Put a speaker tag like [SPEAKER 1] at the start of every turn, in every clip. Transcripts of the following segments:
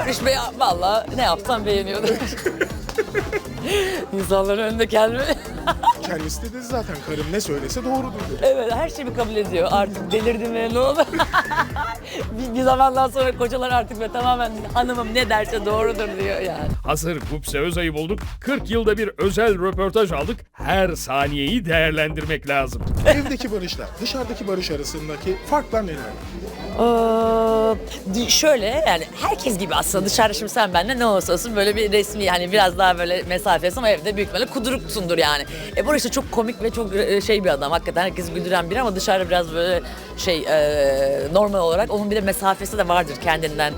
[SPEAKER 1] Barış Bey valla ne yapsam beğeniyordu. İnsanların önünde kendimi...
[SPEAKER 2] Kendisi de dedi zaten, karım ne söylese doğrudur dedi.
[SPEAKER 1] Evet, her şeyi kabul ediyor. Artık delirdim mi, ne oldu? bir zamandan sonra kocalar artık ve tamamen hanımım ne derse doğrudur diyor yani.
[SPEAKER 3] Hazır Gupse Özay'ı bulduk, 40 yılda bir özel röportaj aldık. Her saniyeyi değerlendirmek lazım.
[SPEAKER 2] Evdeki Barış'la dışarıdaki Barış arasındaki farklar neler?
[SPEAKER 1] Şöyle yani herkes gibi aslında dışarıda şimdi sen benimle ne olursa olsun böyle bir resmi yani biraz daha böyle mesafesi ama evde büyük ihtimalle kuduruksundur yani. Barış da çok komik ve çok şey bir adam, hakikaten herkesi güldüren biri ama dışarıda biraz böyle şey normal olarak onun bir de mesafesi de vardır kendinden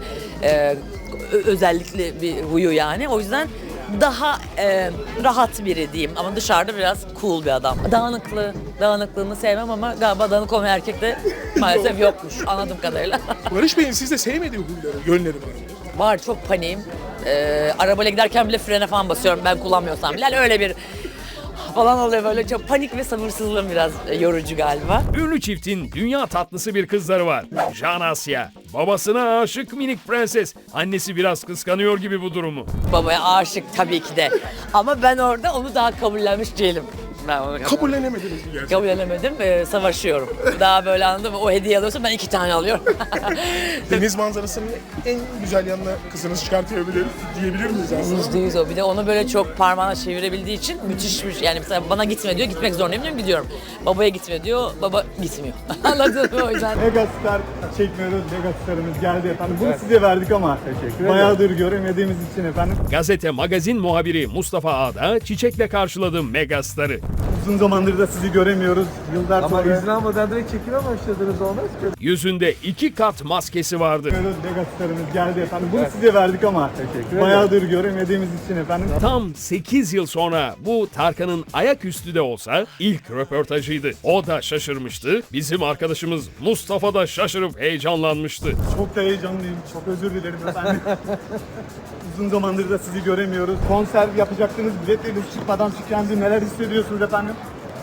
[SPEAKER 1] özellikle bir huyu yani. O yüzden daha rahat biri diyeyim ama dışarıda biraz cool bir adam. Dağınıklığını sevmem ama galiba dağınık olmayan erkek de maalesef yokmuş anladığım kadarıyla.
[SPEAKER 2] Barış Bey'in sizde sevmediği huyları, yönleri var mı?
[SPEAKER 1] Var, çok paniğim. Arabayla giderken bile frene falan basıyorum ben kullanmıyorsam bile. Yani öyle bir falan oluyor böyle, çok panik ve sabırsızlığım biraz yorucu galiba.
[SPEAKER 3] Ünlü çiftin dünya tatlısı bir kızları var. Jan Asya. Babasına aşık minik prenses. Annesi biraz kıskanıyor gibi bu durumu.
[SPEAKER 1] Babaya aşık tabii ki de ama ben orada onu daha kabullenmiş değilim. Ben onu
[SPEAKER 2] Kabullenemediniz mi gerçekten?
[SPEAKER 1] kabullenemedim, savaşıyorum. Daha böyle anladın mı? O hediye alıyorsa ben 2 tane alıyorum.
[SPEAKER 2] Deniz manzarasının en güzel yanına kızınız çıkartabilir diyebilir miyiz aslında?
[SPEAKER 1] %100 o. Bir de onu böyle çok parmağına çevirebildiği için müthişmiş. Yani mesela bana gitme diyor, gitmek zorundayım diyorum, gidiyorum. Babaya gitme diyor, baba gitmiyor. Anladın mı o yüzden?
[SPEAKER 4] Megastar çekmiyoruz. Megastarımız geldi efendim. Bunu size verdik ama bayağıdır göremediğimiz için efendim.
[SPEAKER 3] Gazete Magazin muhabiri Mustafa Ağda çiçekle karşıladı megastarı.
[SPEAKER 4] Uzun zamandır da sizi göremiyoruz. Yıllar
[SPEAKER 5] Ama
[SPEAKER 4] sonra
[SPEAKER 5] izin almadan direkt çekime başladınız, olmaz ki.
[SPEAKER 3] Yüzünde 2 kat maskesi vardı.
[SPEAKER 4] Megastarımız geldi efendim. Bunu size verdik ama bayağıdır göremediğimiz için efendim.
[SPEAKER 3] Tam 8 yıl sonra bu Tarkan'ın ayaküstü de olsa ilk röportajıydı. O da şaşırmıştı. Bizim arkadaşımız Mustafa da şaşırıp heyecanlanmıştı.
[SPEAKER 4] Çok da heyecanlıyım. Çok özür dilerim efendim. Uzun zamandır da sizi göremiyoruz. Konser yapacaktınız. Biletleriniz çıkmadan tükendi. Neler hissediyorsunuz efendim?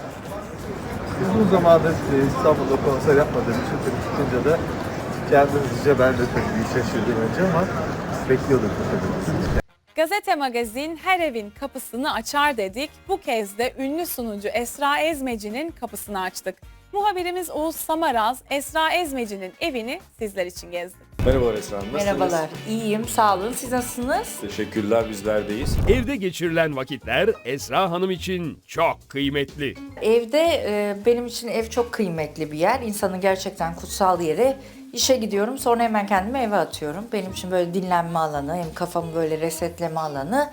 [SPEAKER 5] Uzun zamandır İstanbul'da konser yapmadığım için tabii çıkınca da kendimizce ben de tabii bir şaşırdım önce ama bekliyorduk tabii.
[SPEAKER 6] Gazete Magazin her evin kapısını açar dedik. Bu kez de ünlü sunucu Esra Ezmeci'nin kapısını açtık. Muhabirimiz Oğuz Samaraz, Esra Ezmeci'nin evini sizler için gezdi.
[SPEAKER 7] Merhabalar Esra Hanım, nasılsınız?
[SPEAKER 8] Merhabalar, iyiyim, sağ olun. Siz nasılsınız?
[SPEAKER 7] Teşekkürler, bizlerdeyiz.
[SPEAKER 3] Evde geçirilen vakitler Esra Hanım için çok kıymetli.
[SPEAKER 8] Evde benim için ev çok kıymetli bir yer. İnsanın gerçekten kutsal yeri. İşe gidiyorum, sonra hemen kendimi eve atıyorum. Benim için böyle dinlenme alanı, hem kafamı böyle resetleme alanı.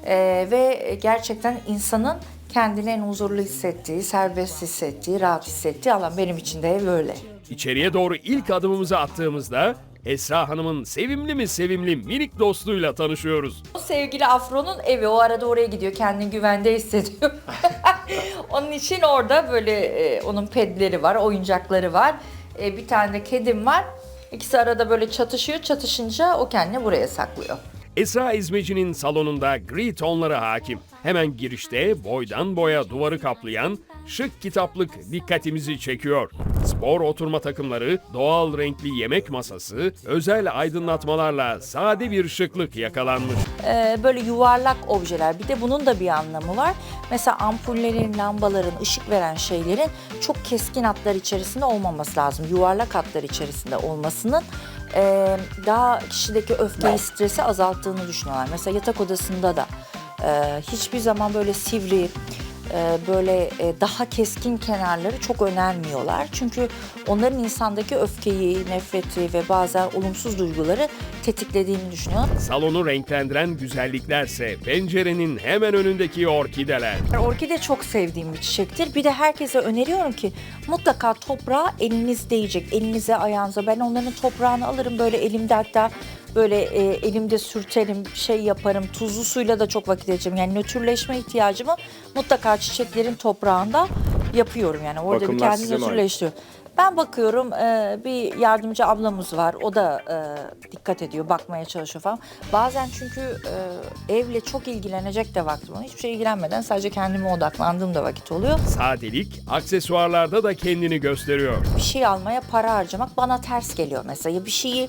[SPEAKER 8] Ve gerçekten insanın kendini en huzurlu hissettiği, serbest hissettiği, rahat hissettiği alan. Benim için de ev öyle.
[SPEAKER 3] İçeriye doğru ilk adımımızı attığımızda Esra Hanım'ın sevimli mi sevimli minik dostluğuyla tanışıyoruz.
[SPEAKER 8] O sevgili Afro'nun evi, o arada oraya gidiyor, kendini güvende hissediyor. Onun için orada böyle onun pedleri var, oyuncakları var. Bir tane de kedim var. İkisi arada böyle çatışıyor, çatışınca o kendini buraya saklıyor.
[SPEAKER 3] Esra İzmeci'nin salonunda gri tonları hakim. Hemen girişte boydan boya duvarı kaplayan şık kitaplık dikkatimizi çekiyor. Spor oturma takımları, doğal renkli yemek masası, özel aydınlatmalarla sade bir şıklık yakalanmış.
[SPEAKER 8] Böyle yuvarlak objeler. Bir de bunun da bir anlamı var. Mesela ampullerin, lambaların, ışık veren şeylerin çok keskin hatlar içerisinde olmaması lazım. Yuvarlak hatlar içerisinde olmasının daha kişideki öfkeyi, stresi azalttığını düşünüyorlar. Mesela yatak odasında da hiçbir zaman böyle sivri, böyle daha keskin kenarları çok önermiyorlar. Çünkü onların insandaki öfkeyi, nefreti ve bazen olumsuz duyguları tetiklediğini düşünüyorlar.
[SPEAKER 3] Salonu renklendiren güzelliklerse pencerenin hemen önündeki orkideler.
[SPEAKER 8] Orkide çok sevdiğim bir çiçektir. Bir de herkese öneriyorum ki mutlaka toprağa eliniz değecek. Elinize, ayağınıza. Ben onların toprağını alırım böyle elimde, hatta böyle elimde sürterim, şey yaparım. Tuzlu suyla da çok vakit geçireceğim. Yani nötrleşme ihtiyacımı mutlaka çiçeklerin toprağında yapıyorum. Yani orada bir
[SPEAKER 7] Bakımlar size
[SPEAKER 8] kendini
[SPEAKER 7] mi ait?
[SPEAKER 8] nötrleştiriyor. Ben bakıyorum, bir yardımcı ablamız var. O da dikkat ediyor, bakmaya çalışıyor falan. Bazen çünkü evle çok ilgilenecek de vaktim oluyor. Hiçbir şey ilgilenmeden sadece kendime odaklandığım da vakit oluyor.
[SPEAKER 3] Sadelik aksesuarlarda da kendini gösteriyor.
[SPEAKER 8] Bir şey almaya para harcamak bana ters geliyor mesela. Bir şeyi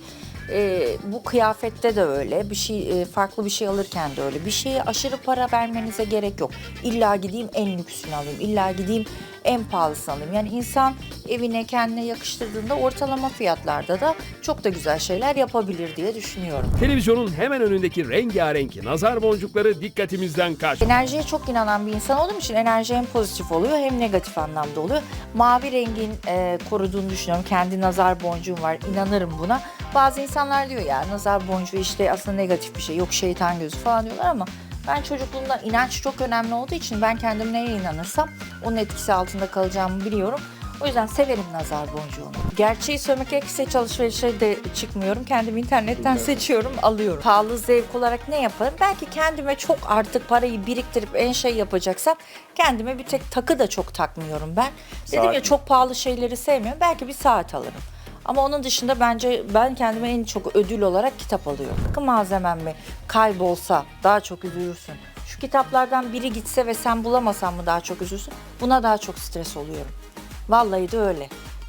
[SPEAKER 8] Bu kıyafette de öyle, bir şey farklı bir şey alırken de öyle. Bir şeye aşırı para vermenize gerek yok. İlla gideyim en lüksünü alayım, illa gideyim en pahalısını alayım. Yani insan evine kendine yakıştırdığında ortalama fiyatlarda da çok da güzel şeyler yapabilir diye düşünüyorum.
[SPEAKER 3] Televizyonun hemen önündeki rengarenk nazar boncukları dikkatimizden kaçmıyor.
[SPEAKER 8] Enerjiye çok inanan bir insan olduğum için enerji hem pozitif oluyor hem negatif anlamda oluyor. Mavi rengin koruduğunu düşünüyorum. Kendi nazar boncuğum var, inanırım buna. Bazı insanlar diyor ya nazar boncuğu işte aslında negatif bir şey, yok şeytan gözü falan diyorlar ama ben çocukluğumdan inanç çok önemli olduğu için ben kendim neye inanırsam onun etkisi altında kalacağımı biliyorum. O yüzden severim nazar boncuğunu. Gerçeği söylemek gerekirse hiç alışverişe de çıkmıyorum. Kendim internetten seçiyorum, alıyorum. Pahalı zevk olarak ne yaparım? Belki kendime çok artık parayı biriktirip en şey yapacaksam kendime bir tek takı da çok takmıyorum ben. Dedim ya çok pahalı şeyleri sevmiyorum. Belki bir saat alırım. Ama onun dışında bence ben kendime en çok ödül olarak kitap alıyorum. Takı malzemem mi kaybolsa daha çok üzülürsün. Şu kitaplardan biri gitse ve sen bulamasan mı daha çok üzülürsün? Buna daha çok stres oluyorum. Vallahi de öyle.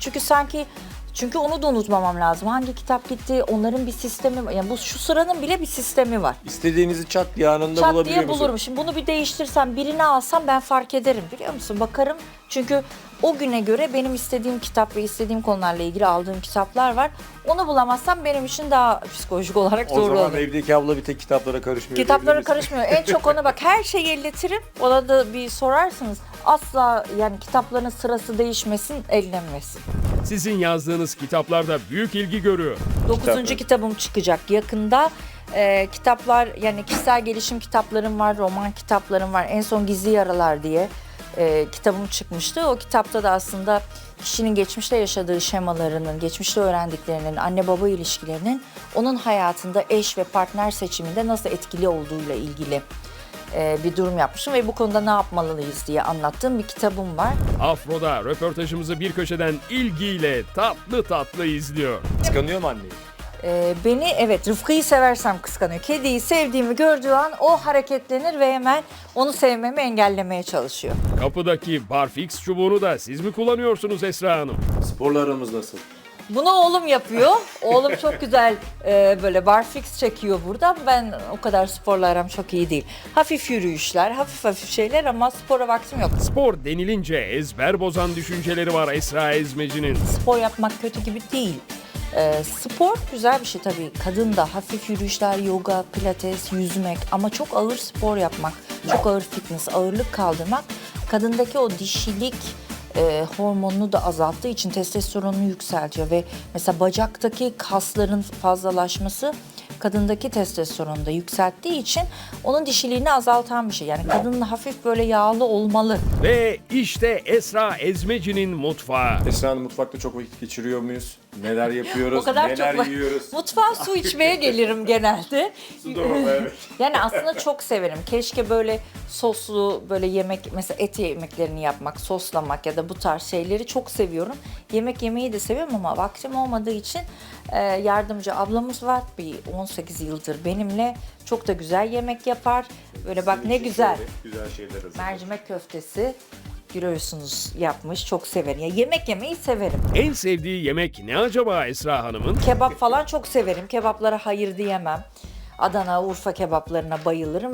[SPEAKER 8] Çünkü onu da unutmamam lazım. Hangi kitap gitti, onların bir sistemi var. Yani şu sıranın bile bir sistemi var.
[SPEAKER 7] İstediğinizi çat diye anında
[SPEAKER 8] Çat
[SPEAKER 7] bulabiliyor
[SPEAKER 8] diye
[SPEAKER 7] musun?
[SPEAKER 8] bulurum. Şimdi bunu bir değiştirsem, birini alsam ben fark ederim biliyor musun? Bakarım çünkü o güne göre benim istediğim kitap ve istediğim konularla ilgili aldığım kitaplar var. Onu bulamazsam benim için daha psikolojik olarak
[SPEAKER 7] O
[SPEAKER 8] zor
[SPEAKER 7] zaman
[SPEAKER 8] olur.
[SPEAKER 7] evdeki abla bir tek kitaplara karışmıyor.
[SPEAKER 8] Kitaplara
[SPEAKER 7] diyebilir miyiz?
[SPEAKER 8] karışmıyor. En çok ona bak her şeyi elletirim. Ona da bir sorarsınız. Asla yani kitapların sırası değişmesin, ellenmesin.
[SPEAKER 3] Sizin yazdığınız kitaplarda büyük ilgi görüyor.
[SPEAKER 8] 9. kitabım çıkacak yakında. Kitaplar yani kişisel gelişim kitaplarım var, roman kitaplarım var. En son Gizli Yaralar diye kitabım çıkmıştı. O kitapta da aslında kişinin geçmişte yaşadığı şemalarının, geçmişte öğrendiklerinin, anne baba ilişkilerinin onun hayatında eş ve partner seçiminde nasıl etkili olduğuyla ilgili bir durum yapmışım ve bu konuda ne yapmalıyız diye anlattığım bir kitabım var.
[SPEAKER 3] Afro'da röportajımızı bir köşeden ilgiyle tatlı tatlı izliyor.
[SPEAKER 7] Kıskanıyor mu anneyi?
[SPEAKER 8] Beni evet Rıfkı'yı seversem kıskanıyor. Kediyi sevdiğimi gördüğü an o hareketlenir ve hemen onu sevmemi engellemeye çalışıyor.
[SPEAKER 3] Kapıdaki barfix çubuğunu da siz mi kullanıyorsunuz Esra Hanım?
[SPEAKER 7] Sporla aramız nasıl?
[SPEAKER 8] Bunu oğlum yapıyor. Oğlum çok güzel böyle barfix çekiyor burada. Ben o kadar sporla aram çok iyi değil. Hafif yürüyüşler, hafif şeyler ama spora vaktim yok.
[SPEAKER 3] Spor denilince ezber bozan düşünceleri var Esra Ezmeci'nin.
[SPEAKER 8] Spor yapmak kötü gibi değil. Spor güzel bir şey tabii. Kadın da hafif yürüyüşler, yoga, pilates, yüzmek ama çok ağır spor yapmak, çok ağır fitness, ağırlık kaldırmak kadındaki o dişilik hormonunu da azalttığı için testosteronunu yükseltiyor ve mesela bacaktaki kasların fazlalaşması kadındaki testosteronu da yükselttiği için onun dişiliğini azaltan bir şey. Yani kadının hafif böyle yağlı olmalı.
[SPEAKER 3] Ve işte Esra Ezmeci'nin mutfağı.
[SPEAKER 7] Esra Hanım mutfakta çok vakit geçiriyor muyuz? Neler yapıyoruz?
[SPEAKER 8] O kadar
[SPEAKER 7] neler
[SPEAKER 8] çok
[SPEAKER 7] yiyoruz?
[SPEAKER 8] Mutfağa su içmeye gelirim genelde. Yani aslında çok severim. Keşke böyle soslu böyle yemek mesela et yemeklerini yapmak, soslamak ya da bu tarz şeyleri çok seviyorum. Yemek yemeyi de seviyorum ama vaktim olmadığı için yardımcı ablamız var. Bir 18 yıldır benimle çok da güzel yemek yapar. Böyle bak ne güzel.
[SPEAKER 7] Güzel şeyler hazır.
[SPEAKER 8] Mercimek köftesi görüyorsunuz yapmış. Çok severim. Ya yemek yemeyi severim.
[SPEAKER 3] En sevdiği yemek ne acaba Esra Hanım'ın?
[SPEAKER 8] Kebap falan çok severim. Kebaplara hayır diyemem. Adana, Urfa kebaplarına bayılırım.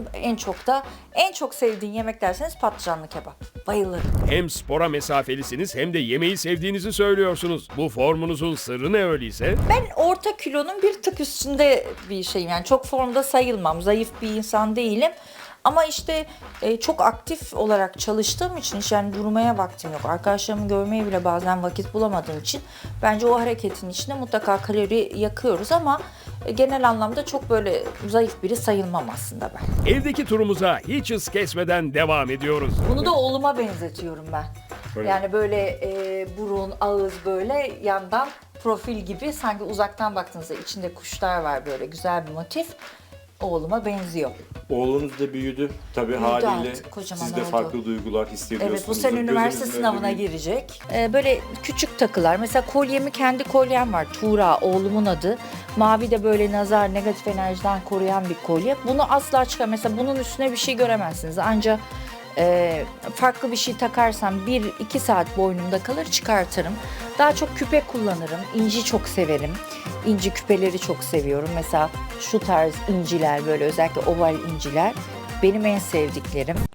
[SPEAKER 8] En çok sevdiğin yemek derseniz patlıcanlı kebap. Bayılırım.
[SPEAKER 3] Hem spora mesafelisiniz hem de yemeği sevdiğinizi söylüyorsunuz. Bu formunuzun sırrı ne öyleyse?
[SPEAKER 8] Ben orta kilonun bir tık üstünde bir şeyim. Yani çok formda sayılmam. Zayıf bir insan değilim. Ama işte çok aktif olarak çalıştığım için yani durmaya vaktim yok. Arkadaşlarımı görmeye bile bazen vakit bulamadığım için bence o hareketin içinde mutlaka kalori yakıyoruz ama genel anlamda çok böyle zayıf biri sayılmam aslında ben.
[SPEAKER 3] Evdeki turumuza hiç hız kesmeden devam ediyoruz.
[SPEAKER 8] Bunu da oğluma benzetiyorum ben.
[SPEAKER 7] Öyle.
[SPEAKER 8] Yani böyle burun, ağız böyle yandan profil gibi sanki uzaktan baktığınızda içinde kuşlar var böyle güzel bir motif. Oğluma benziyor.
[SPEAKER 7] Oğlunuz da büyüdü. Tabii
[SPEAKER 8] Büyüdü
[SPEAKER 7] haliyle
[SPEAKER 8] artık, kocaman
[SPEAKER 7] siz de
[SPEAKER 8] oldu.
[SPEAKER 7] farklı duygular hissediyorsunuz.
[SPEAKER 8] Evet bu sene üniversite
[SPEAKER 7] Gözünüzün
[SPEAKER 8] sınavına
[SPEAKER 7] önünde
[SPEAKER 8] girecek. Böyle küçük takılar. Mesela kendi kolyem var. Tuğra oğlumun adı. Mavi de böyle nazar negatif enerjiden koruyan bir kolye. Bunu asla çıkar. Mesela bunun üstüne bir şey göremezsiniz. Ancak Farklı bir şey takarsam 1-2 saat boynumda kalır, çıkartırım. Daha çok küpe kullanırım. İnci çok severim. İnci küpeleri çok seviyorum. Mesela şu tarz inciler, böyle özellikle oval inciler benim en sevdiklerim.